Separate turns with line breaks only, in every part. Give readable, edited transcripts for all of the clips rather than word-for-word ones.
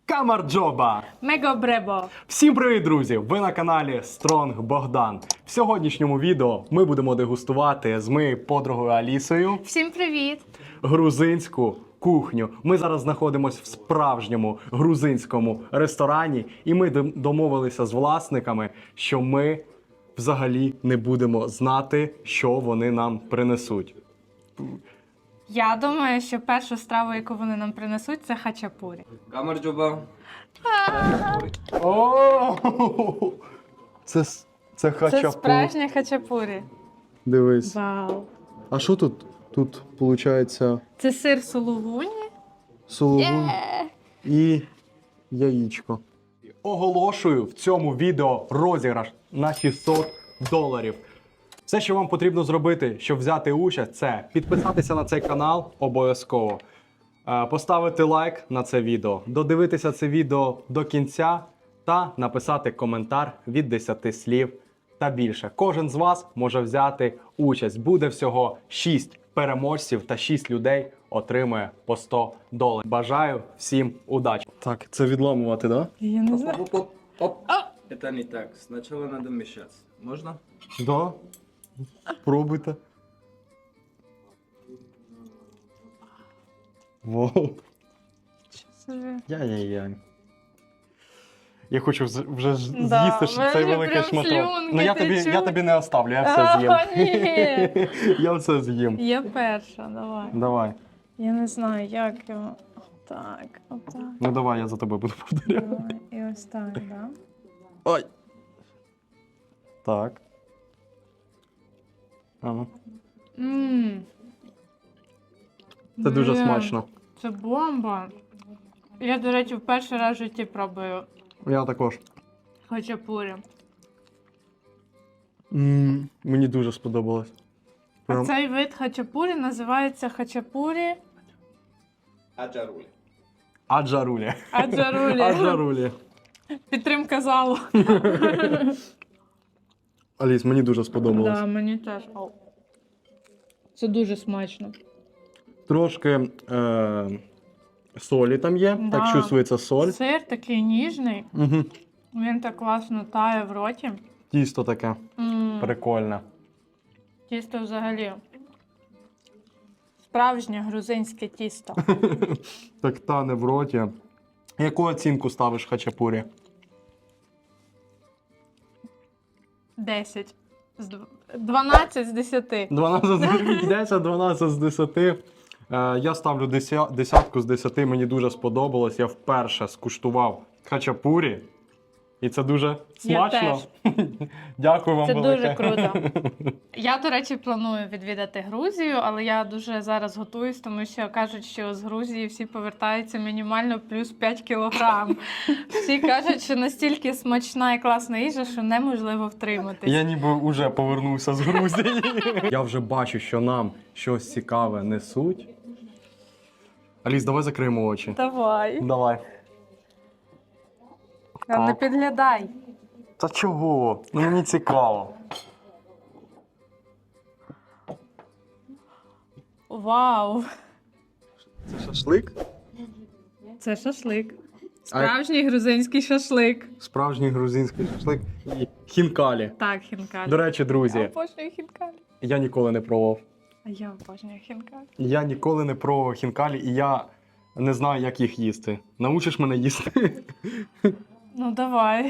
Камарджоба!
Мегобребо!
Всім привіт, друзі! Ви на каналі Стронг Богдан. В сьогоднішньому відео ми будемо дегустувати з моєю подругою Алісою
Всім привіт!
грузинську кухню. Ми зараз знаходимося в справжньому грузинському ресторані, і ми домовилися з власниками, що ми взагалі не будемо знати, що вони нам принесуть.
Я думаю, що першу страву, яку вони нам принесуть, це хачапурі.
Камарджоба.
О! Це
Це
хачапурі.
справжнє хачапурі.
Дивись.
Вау!
А що тут? Тут, виходить,
Це сир сулугуні.
сулугунь і яєчко. Оголошую в цьому відео розіграш на $600. Все, що вам потрібно зробити, щоб взяти участь, це підписатися на цей канал обов'язково, поставити лайк на це відео, додивитися це відео до кінця та написати коментар від 10 слів та більше. Кожен з вас може взяти участь. Буде всього 6 переможців та 6 людей отримує по $100. Бажаю всім удачі. Так, це відламувати, так?
Я не знаю.
Оп, оп, оп. Это не так. Сначала надо мешать. Можно?
Да. Пробуйте. Воу. Яй-яй-яй. Я хочу вже
Да,
з'їсти
мене
цей
вже
великий
прям
шматок.
слюнки
Ну я
течуть.
тобі не оставлю, я все з'їм.
Ні.
Я все з'їм.
Я перша, давай.
Давай.
Я не знаю, як його. Отак, отак.
Ну давай, я за тобою буду повторяти.
Давай. І ось так, да?
Ой. Так. Ага.
Ммм.
Це дуже смачно.
Це бомба. Я, до речі, в перший раз в житті пробую
Я також.
хачапурі.
Мені дуже сподобалось.
А
Прям...
цей вид хачапурі називається хачапурі
Аджарули.
Аджарулі.
аджарулі.
Аджарулі.
Підтримка залу.
Аліс, мені дуже сподобалось.
Да, мені теж. Це дуже смачно.
Трошки солі там є,
Да.
так чувствується соль.
Сир такий ніжний,
Угу.
він так класно тає в роті.
Тісто таке
М,
прикольне.
Тісто взагалі. Справжнє грузинське тісто.
Так тане в роті. Яку оцінку ставиш хачапурі?
10. 12 з 10.
12 з 10. Я ставлю десятку з 10. Мені дуже сподобалось. Я вперше скуштував хачапурі. І це дуже смачно. Дякую вам
Це
велике.
дуже круто. Я, до речі, планую відвідати Грузію, але я дуже зараз готуюсь, тому що кажуть, що з Грузії всі повертаються мінімально плюс 5 кілограм. Всі кажуть, що настільки смачна і класна їжа, що неможливо втриматись.
Я ніби вже повернувся з Грузії. Я вже бачу, що нам щось цікаве несуть. Аліс, давай закриємо очі.
Давай.
Давай.
Не підглядай.
Та чого? Ну, мені цікаво.
Вау.
Це шашлик?
Це шашлик. Справжній грузинський шашлик.
Справжній грузинський шашлик і хінкалі.
Так, хінкалі.
До речі,
Я
друзі,
обожнюю хінкалі.
я ніколи не пробував.
А я обожнюю хінкалі.
Я ніколи не пробував хінкалі, і я не знаю, як їх їсти. Научиш мене їсти?
Ну давай.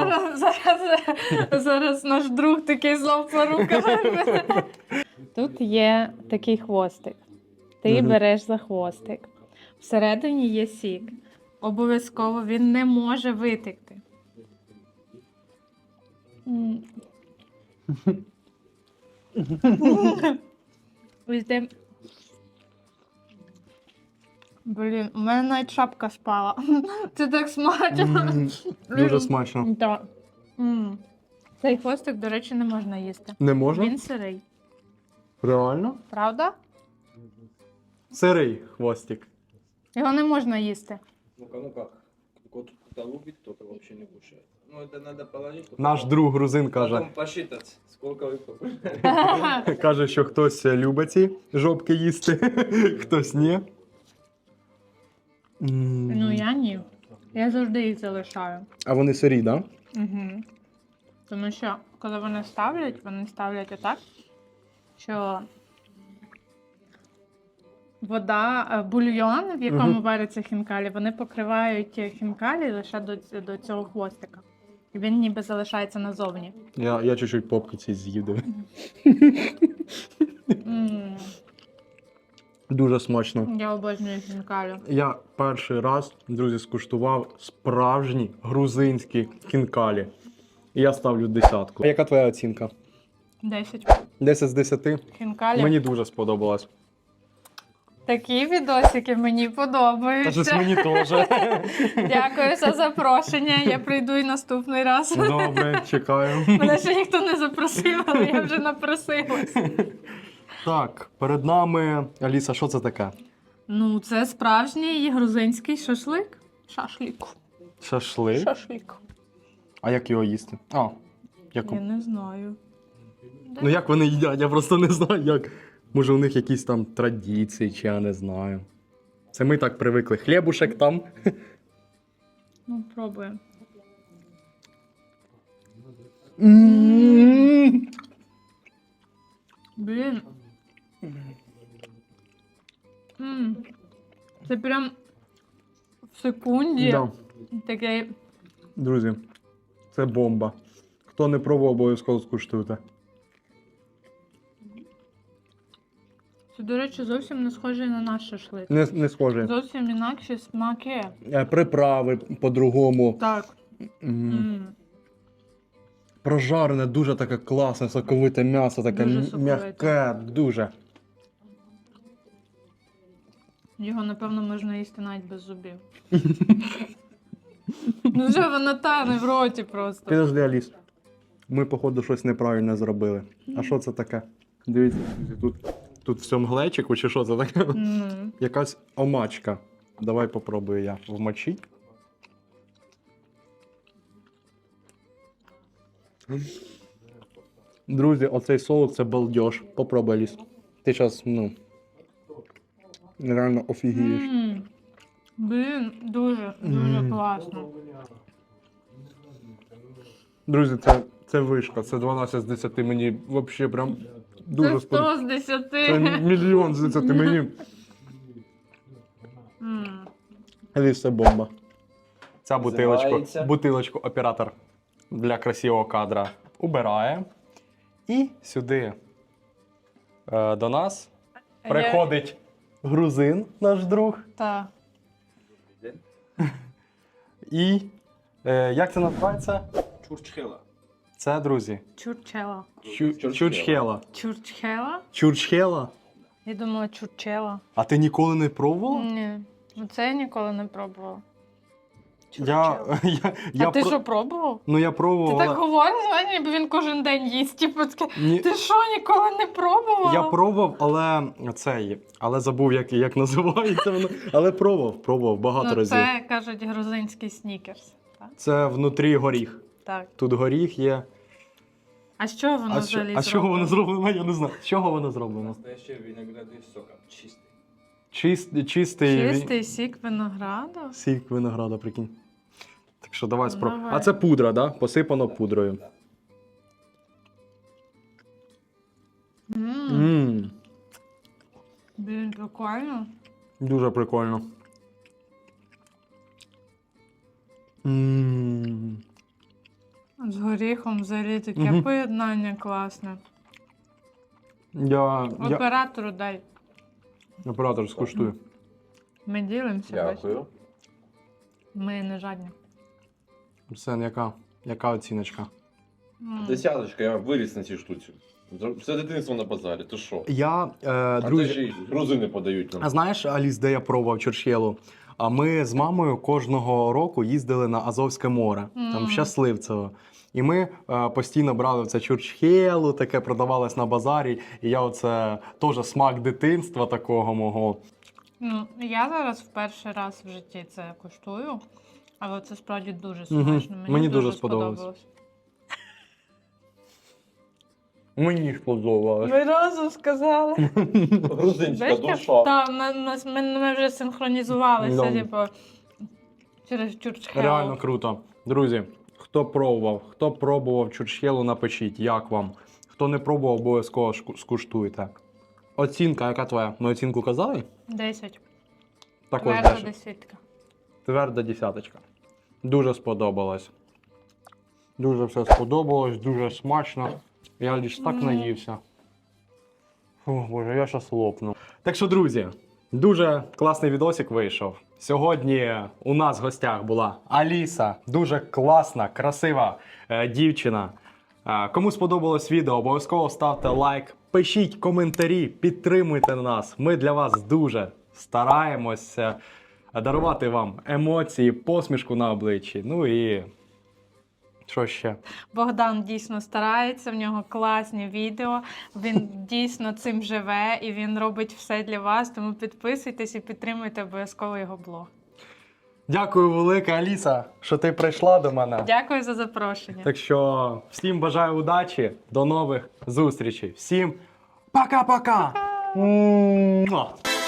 Зараз наш друг такий знов по руках. Тут є такий хвостик. Ти
Мгм.
береш за хвостик. Всередині є сік. Обов'язково він не може витекти. Ось де- Блін, у мене навіть шапка спала. Це так смачно.
Дуже смачно.
Так. Цей хвостик, до речі, не можна їсти.
Не можна?
Він сирий.
Реально?
Правда?
Сирий хвостик.
Його не можна їсти.
Ну как? Кто-то любит, кто-то вообще не кушает. Ну это надо положить. чтобы
Наш друг грузин каже,
потом посчитать, сколько вы покушали.
каже, що хтось любить ці жопки їсти, хтось ні.
Ну я ні. Я завжди їх залишаю.
А вони сирі, так? Да?
Угу. Тому що, коли вони ставлять отак, що вода, бульйон, в якому варяться хінкалі, вони покривають хінкалі лише до цього хвостика. І він ніби залишається назовні.
Я чуть-чуть попки ці з'їв. диви.
М,
Дуже смачно.
Я обожнюю хінкалі.
Я перший раз, друзі, скуштував справжні грузинські хінкалі. І я ставлю 10. А яка твоя оцінка?
10
10 з 10?
хінкалі.
Мені дуже сподобалось.
Такі відосики мені
Та
подобаються.
щось мені теж.
Дякую за запрошення. Я прийду і наступний раз.
Добре, чекаю.
Мене ще ніхто не запросив, але я вже напросилась.
Так, перед нами. Аліса, що це таке?
Ну, це справжній грузинський шашлик. Шашлик.
Шашлик?
Шашлик.
А як його їсти? Як...
Я не знаю.
Ну як вони їдять, я просто не знаю, як. Може у них якісь там традиції, чи я не знаю. Це ми так привикли. Хлібушек там.
Ну, пробуємо. Блін. Це прям в секунді
Да.
таке.
Друзі, це бомба. Хто не пробував, обов'язково скуштуйте.
Це, до речі, зовсім не схоже на наш шашлик.
Не схоже.
Зовсім інакші смаки.
Приправи по-другому.
Так.
Прожарене, дуже таке класне, соковите м'ясо, таке
Дуже соковите.
м'яке, дуже.
Його, напевно, можна їсти навіть без зубів. Ну вже воно тане в роті просто.
Підожди, Аліс. Ми, походу, щось неправильно зробили. А що це таке? Дивіться, друзі, тут в цьому глечику, чи що це таке? Якась омачка. Давай попробую я вмочить. Друзі, оцей соус це балдеж. Попробуй, Аліс. Ти зараз, реально офігієш.
Блін, дуже класно.
Друзі, це вишка, це 12 з 10. Мені взагалі прям
Це
дуже
100 з 10.
Це мільйон з 10 мені. Аліс, це бомба. Ця
Називається?
бутилочку оператор для красивого кадра убирає. І сюди до нас приходить грузин, наш друг.
Так.
І як це називається?
Чурчхела.
Це, друзі,
Чурчела.
чурчхела.
Чурчхела?
Чурчхела?
Я думала, чурчела.
А ти ніколи не пробувала?
Ні. Ну це я ніколи не пробувала.
Я
А ти що пробував?
Ну я
Ти
пробував.
так говориш, знаєш, ніби він кожен день їсть. Типу, таке,
Ні.
ти що, ніколи не пробувала?
Я пробував, але забув, як називається воно. Але пробував багато разів.
Це, кажуть, грузинський снікерс. Так?
Це внутрі горіх.
Так.
Тут горіх є.
А з чого воно взагалі
А з чого воно зроблено? Я не знаю. З чого воно зроблено?
Настоящий виноградный сок. Чистый.
Чистий
Чистий сік винограду?
сік винограда, прикинь. Так що давай спробуємо.
Давай.
А це пудра, да? Посипано пудрою.
Блін, прикольно.
Дуже прикольно.
З горіхом взагалі таке поєднання класне. Оператору дай.
Оператор скуштує.
Ми ділимося.
Дякую.
бачиш? Ми не жадні.
Арсен, яка оціночка?
Десяточка, я виріс на цій штуці. Все дитинство на базарі, ти що?
Я,
А це
друзі,
ж і грузини подають
а
нам.
знаєш, Аліс, де я пробував чурчхелу? А ми з мамою кожного року їздили на Азовське море, там в Щасливцево. І ми постійно брали це чурчхелу, таке продавалось на базарі. І я оце теж смак дитинства такого мого.
Ну, я зараз в перший раз в житті це куштую, але це справді дуже смачно.
Мені дуже сподобалось. Мені сподобалось.
Ви разом сказали.
Грузинська душа.
Так, ми вже синхронізувалися,
Да.
типу, через чурчхел.
Реально круто. Друзі, хто пробував чурчхелу, напишіть, як вам. Хто не пробував, обов'язково скуштуйте. Оцінка, яка твоя? Ми оцінку казали?
10.
Також
Тверда
10.
десятка.
Тверда десяточка. Дуже сподобалось. Дуже все сподобалось, дуже смачно. Я лише так наївся. Фу, боже, я щас лопну. Так що, друзі, дуже класний відосик вийшов. Сьогодні у нас в гостях була Аліса. Дуже класна, красива дівчина. Кому сподобалось відео, обов'язково ставте лайк, пишіть коментарі, підтримуйте нас. Ми для вас дуже стараємося дарувати вам емоції, посмішку на обличчі. Ну і що ще?
Богдан дійсно старається, в нього класні відео, він дійсно цим живе і він робить все для вас, тому підписуйтесь і підтримуйте обов'язково його блог.
Дякую велике, Аліса, що ти прийшла до мене.
Дякую за запрошення.
Так що всім бажаю удачі, до нових зустрічей. Всім пока-пока! Муа!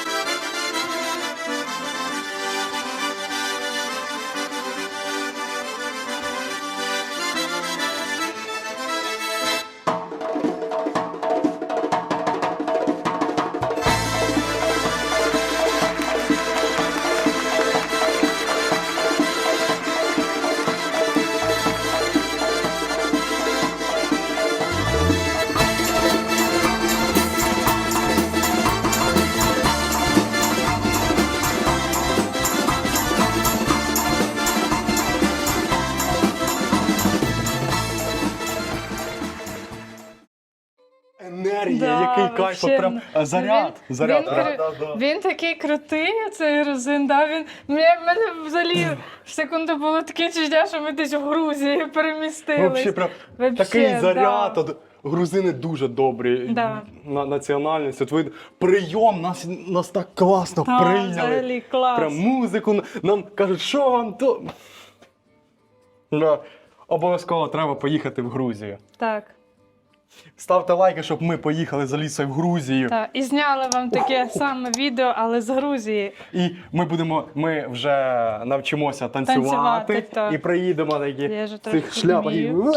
Енергія,
Да,
який кайф,
вообще,
прям заряд.
він-
заряд.
він Він такий крутий, цей грузин, да? Мене взагалі в секунду було таке відчуття, що ми десь в Грузії перемістились.
Вообще, прям
Вообще,
такий заряд.
да.
От грузини дуже добрі.
Да.
Національність. От ви прийом, нас так класно
Да,
прийняли.
взагалі клас.
Прям музику нам кажуть, що вам то. Да. Обов'язково треба поїхати в Грузію.
Так,
Ставте лайки, щоб ми поїхали з Алісою в Грузію.
так. І зняли вам таке саме відео, але з Грузії.
І ми вже навчимося танцювати,
Танцювати, так.
і приїдемо такі
Я ж
в
трохи
цих шляпах. І...
вмію.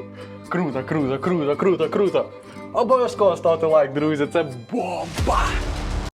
Круто, круто, круто, круто, круто. Обов'язково ставте лайк, друзі, це бомба!